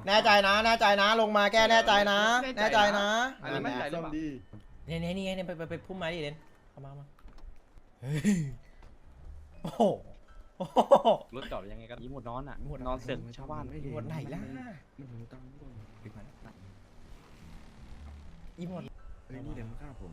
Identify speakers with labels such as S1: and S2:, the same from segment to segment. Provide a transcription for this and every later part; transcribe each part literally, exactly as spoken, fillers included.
S1: แน่ใจนะแน่ใจนะลงมาแก้แน่ใจนะแน่ใจนะ
S2: อันนี้มั่นใจหรือเปล่า
S1: เนี่ยเนี่ยนี่เนี่ยไปไปไปพุ่มไม้ดิเดนเข้ามามาโอ้โหโอ้โห
S2: รถจอดยังไงกันยี่หมดนอนอ่ะนอนเสร็จชาวบ้านไม่
S1: หมดไหนล่ะ
S3: มันหูตังค์ก่อน
S1: อีหมด
S3: เฮ้ยนี่เดี๋ยวมันฆ่าผม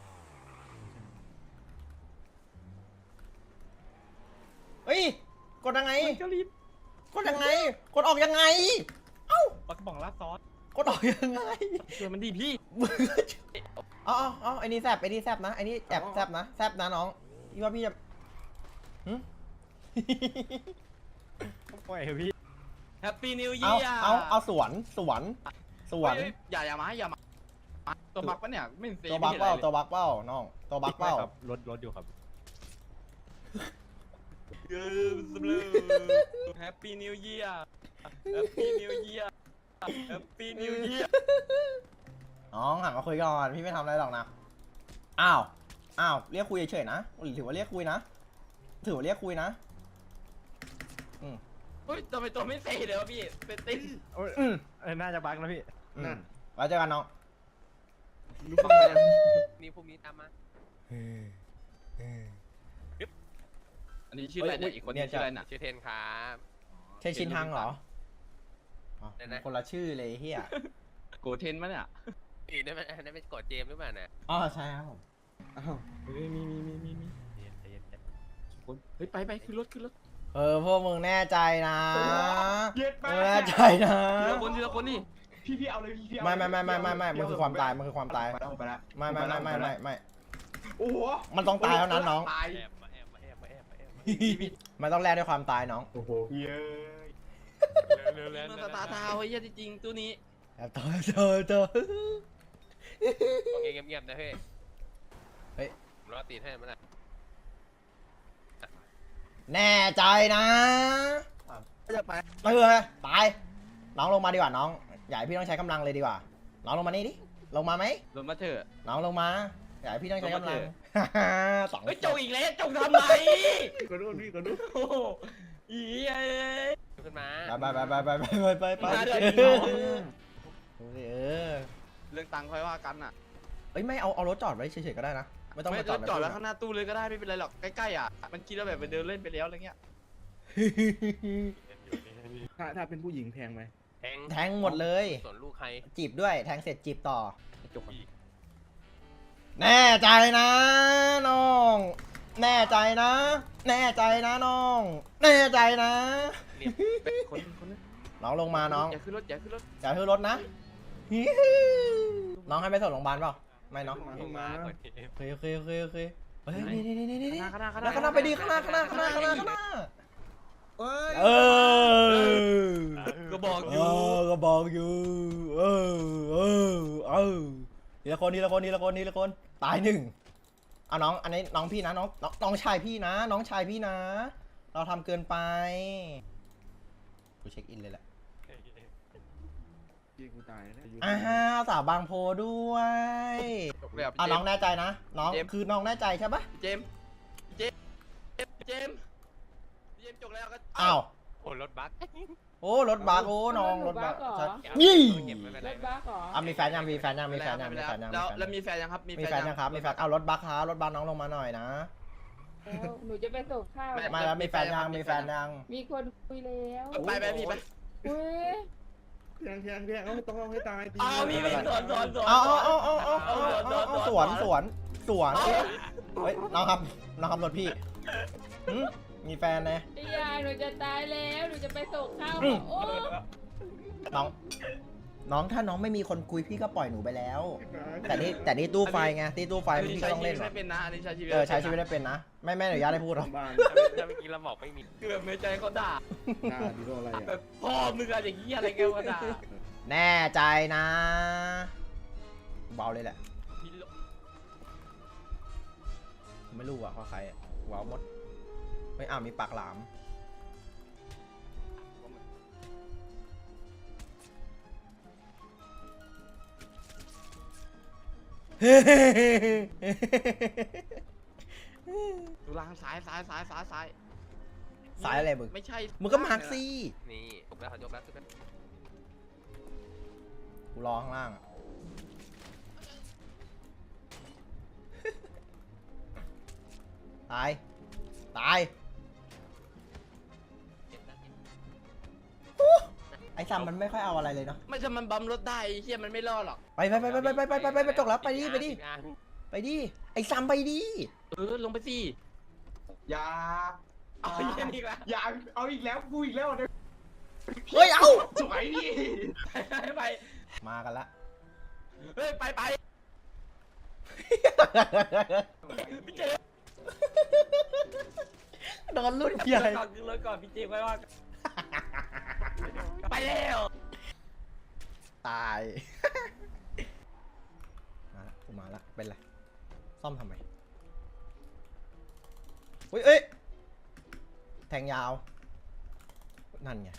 S1: เฮ้ยกดยังไง
S2: เจ้าลิ้น
S1: กดยังไงกดออกยังไงเอ้า
S2: ปลากระป๋องลาดซอส
S1: กดออกยังไง
S2: เชื่อมันดีพี่
S1: อ๋ออ๋อไอ้นี่แซบไอ้นี่แซบนะไอ้นี่แอบแซบนะแซบนะน้องพี่ว่าพี่จะหึ
S2: ปล่อยพี่แฮปปี้นิว
S1: เอา
S2: เยียร์
S1: เอาเอาสวนสวนสวน
S2: อย่าอย่ามาอย่ามาตัวบักปะเนี่ยไม่เซฟ
S1: ตัวบักเป้าตัวบักเป้าน้องตัวบักเป้า
S2: รถรถอยู่ครับเกินสำเร็จแฮปปี้นิวเยียร์แฮปปี้นิวเยียร์แฮปปี้นิวเยียร์
S1: น้องหันมาคุยก่อนพี่ไม่ทำอะไรหรอกนะอ้าวอ้าวเรียกคุยเฉยๆนะถือว่าเรียกคุยนะถือว่าเรียกคุยนะอืม
S2: เฮ้ยทำไมตัวไม่เซเลยวะพี่เป็นติ้น
S1: อืม
S4: เออน่าจะบั๊กนะพี่
S1: อืมไว้เจอกันน้อง
S3: รู้ฟังไหม
S5: นี่พวกนี้ตามมา
S2: อันนี้ชื่ออะไรเนี่ยอีกคนนี้ชื่ออะไรน่ะ
S5: ชื่อเทนครับ
S1: ใช่ชินทังเหรออ๋อ
S5: ได้นะ
S1: คนละชื่อเลยเฮีย
S2: โกเทนมั้ยเนี่ย
S5: อีนั่นมันนั่นเป็นกดเจมหรือเปล่าน่ะ
S1: อ๋อใช่ครับผม
S3: อ้าว
S2: เฮ้ยมีมีมีมีมีคนเฮ้ยไปไปขึ้นรถขึ้นรถ
S1: เออพวกมึงแน่ใจนะ
S2: เย็ด
S1: มึงแน่ใจนะ
S2: ทีละคนทีละคนนี่
S4: พี่พี่เอาเลยพี่พี่เอา
S1: ไม่ไม่ไม่ไม่ไม่ไม่มันคือความตายมันคือความตาย
S3: ไปแล้วไปแล้ว
S1: ไม่ไม่ไม่ไม่ไม่ไม่
S4: โอ้โห
S1: มันต้องตายเท่านั้นน้อง
S2: ตาย
S5: แอบมาแอบมาแอบมาแอบมาแอบ
S1: มันต้องแลกด้วยความตายน้อง
S3: โอ้โห
S4: เย้ย
S5: เร็วๆเร็ว
S2: มันสตาร์ทาวน์ไอ้เหี้ยจริงๆตัวนี้
S1: แอบต่อต่อต่อ
S5: โอเคเงียบๆนะเฮ้ย
S1: เฮ้ย
S5: ผมรอตีนให้มันนะ
S1: แน่ใจนะ
S2: จะไป
S1: ไม่เลยตายน้องลงมาดีกว่าน้องอย่าให้พี่ต้องใช้กำลังเลยดีกว่าน้องลงมานี่ดิลงมาไหม
S2: ลงมาเถอะ
S1: น้องลงมาอย่าให้พี่ต้องใช้กำลัง สอง
S2: เฮ้ยจงอีกแล้วจงทำไม
S3: กระโดดพี่กระโดด
S2: โอ้โหอีเอ้ย
S5: ขึ้นมา
S1: ไปไปไปไปไปไปไป
S2: มาเดี๋ยว
S1: เออ
S2: เรื่องตังค์ค่อยว่ากันอ่ะ
S1: เอ้ยไม่เอาเอารถจอดไว้เฉยๆก็ได้นะไม่ต้อง
S2: ไม่
S1: มาจ
S2: จ
S1: อ
S2: อ
S1: ด
S2: ดจอดแล้วข้างหน้าตู้เลยก็ได้ไม่เป็นไรหรอกใกล้ๆอ่ะมันคิดว่าแบบไปเดินเล่นไปแล้วอะไรเงี้ย
S3: ถ้าถ้าเป็นผู้หญิงแพงไหม
S5: แทง
S1: แทงหมดเลย
S5: ส่วนลูกใคร
S1: จีบด้วยแทงเสร็จจีบต่อ
S2: จบ
S1: แน่ใจนะน้อง แน่ใจนะ แน่ใจนะน้อง แน่ใจนะ
S2: คนคนนั้น
S1: น้องลงมาน้อง
S2: อย่าขึ้นรถอย่าขึ้นรถ
S1: อย่าขึ้นรถนะ น้องให้ไปส่งโรงพยาบาลเปล่าไม่น้อง
S3: มาเข้ามา
S1: โอเคโอเคโอเคโอเคเฮ้ยนี่นี่นี่นี่นี่
S2: ข้างหน้าข้างห
S1: แล้ว
S2: น้า
S1: ข้างหน้าไปดีข้างหน้าข้างหน้าข้างหน้าข้างหน้าข้างหน้า
S3: เอ้ย
S1: เออ
S2: ก็บอกอ
S1: เอยู่ อก็บอกอยู่เออเออเออทีละคนทีละคนทีละคนทีละคนตายหนึ่งเอาน้องอันนี้น้องพี่นะน้องน้องน้องชายพี่นะ น้องชายพี่นะ เราทำเกินไปกูเช็คอินเลยแหละ
S3: พี่กูตายแล้ว
S1: อ้าวสาวบางโพด้วย
S2: จบแล้ว
S1: อ่ะน้องแน่ใจนะน้อง
S2: เจมส์
S1: คือน้องแน่ใจใช่ปะ
S2: เจมส์เจมส์เจมส์เจมส์จบแล้วก็
S1: อ้าว
S5: โอ้รถบัส
S1: โอ้รถบัสโอ้น้องรถบัส
S6: รถบัสเหรอ
S1: ยี่
S5: เก็บไม่เป็น
S6: ร
S5: ไร
S6: ถบัสเหรอ
S1: อ่ะมีแฟนยังมีแฟนยังมีแฟนยังมีแฟนยังมี
S2: แล้ว
S1: แฟนยัง
S2: แล้วแล้วมีแฟนยังครับ
S1: มีแฟนยังครับมีแฟนเอารถบัสครับรถบัสน้องลงมาหน่อยนะ
S6: แล้วหนูจะไปส่งข้าว
S1: มาแล้วมีแฟนยังมีแฟนยัง
S6: มีคนคุยแล้ว
S2: ไปไปพี่ไป
S6: อุ้ย
S3: แพงแพงแพงเอาต้องเอาให้ตายดี
S2: เอาพี่ไปสอนสอนสอน
S1: เอาเอาเอาเอาเอาเอาเอาเอาสวนสวนสวนเฮ้ยน้องครับน้องครับรถพี่หึมีแฟนนะ
S6: พี่ยายหนูจะตายแล้วหนูจะไปส่งข้าว
S1: อืม
S6: โอ้
S1: น้อง น้องถ้าน้องไม่มีคนคุยพี่ก็ปล่อยหนูไปแล้ว แต่นี่แต่นี่ตู้ไฟไงที่ตู้ไฟ
S2: อันนี้
S1: พี่
S2: ใช้
S1: ก็ต้อง
S2: ชีวิ
S1: เล่น
S2: ต
S1: หรอ
S2: ไม่เป็นนะอันนี้ใช้ชีวิต
S1: เออใช้ชีวิตได้เป็นนะไม่แม่อนุญาตให้พูดหรอก
S3: บ้าน
S5: ถ้าเมื่อกี้เราบอกไม่มี
S2: คือแบบในใจเขาด่า
S3: หน้าดีโดอะไร
S2: แบ
S3: อ่ะ
S2: บพ่อมึงอะไรอย่างเงี้ยอะไรแกว่าด่า
S1: แน่ใจนะเบาเลยแหละไม่รู้อ่ะว่าใครอะว้าวมดไม่อ้าวมีปากหลาม
S2: ดูล่างซ้ายซ้ายซ้ายซ้ายซ้าย
S1: สายอะไรมึง
S2: ไม่ใช่
S1: มึงก็มาร์คซี่
S5: นี่จบแล้วเขาจบแล้วขึ้นไป
S1: กูรอข้างล่างอะ ตาย ตายโอ้ไอ้ซัมมันไม่ค่อยเอาอะไรเลยเนาะ
S2: ไม่ถ้ามันบัมรถได้ไอ้เฮียมันไม่รอดหรอก
S1: ไปไปไปไปไปไปไปไปไปไปจกแล้วไปดิไปดิ
S5: ติอ่าง
S1: ไปดิ ไอ้ซัมไปดิ
S2: เออลงไปสิ
S4: อย่า
S2: เอาไอ้เฮียนี่ละ
S4: อย่าเอาอีกแล้วกูอีกแล้วเนี่ย
S1: เฮ้ย เอ้า
S4: สวยดิ
S2: ไปไป
S1: มากันละ
S2: เฮ้ยไปไปพี่เจ
S1: โดนรุ่นใหญ่
S2: ก่อนขึ้นรถก่อนพี่เจไปว่าไปแล้ว
S1: ตาย มาละกูมาละ เป็นไร ซ่อมทำไมเฮ้ยเอ้ย แทงยาว นั่นไง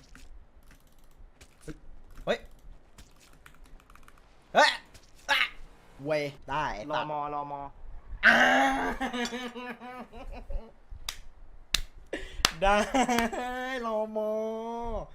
S1: เฮ้ย เฮ้ยอ่ะเวยได้ไอ้
S4: รอ
S1: ตัด
S4: มอรอมอ
S1: อ่าได้รอมอ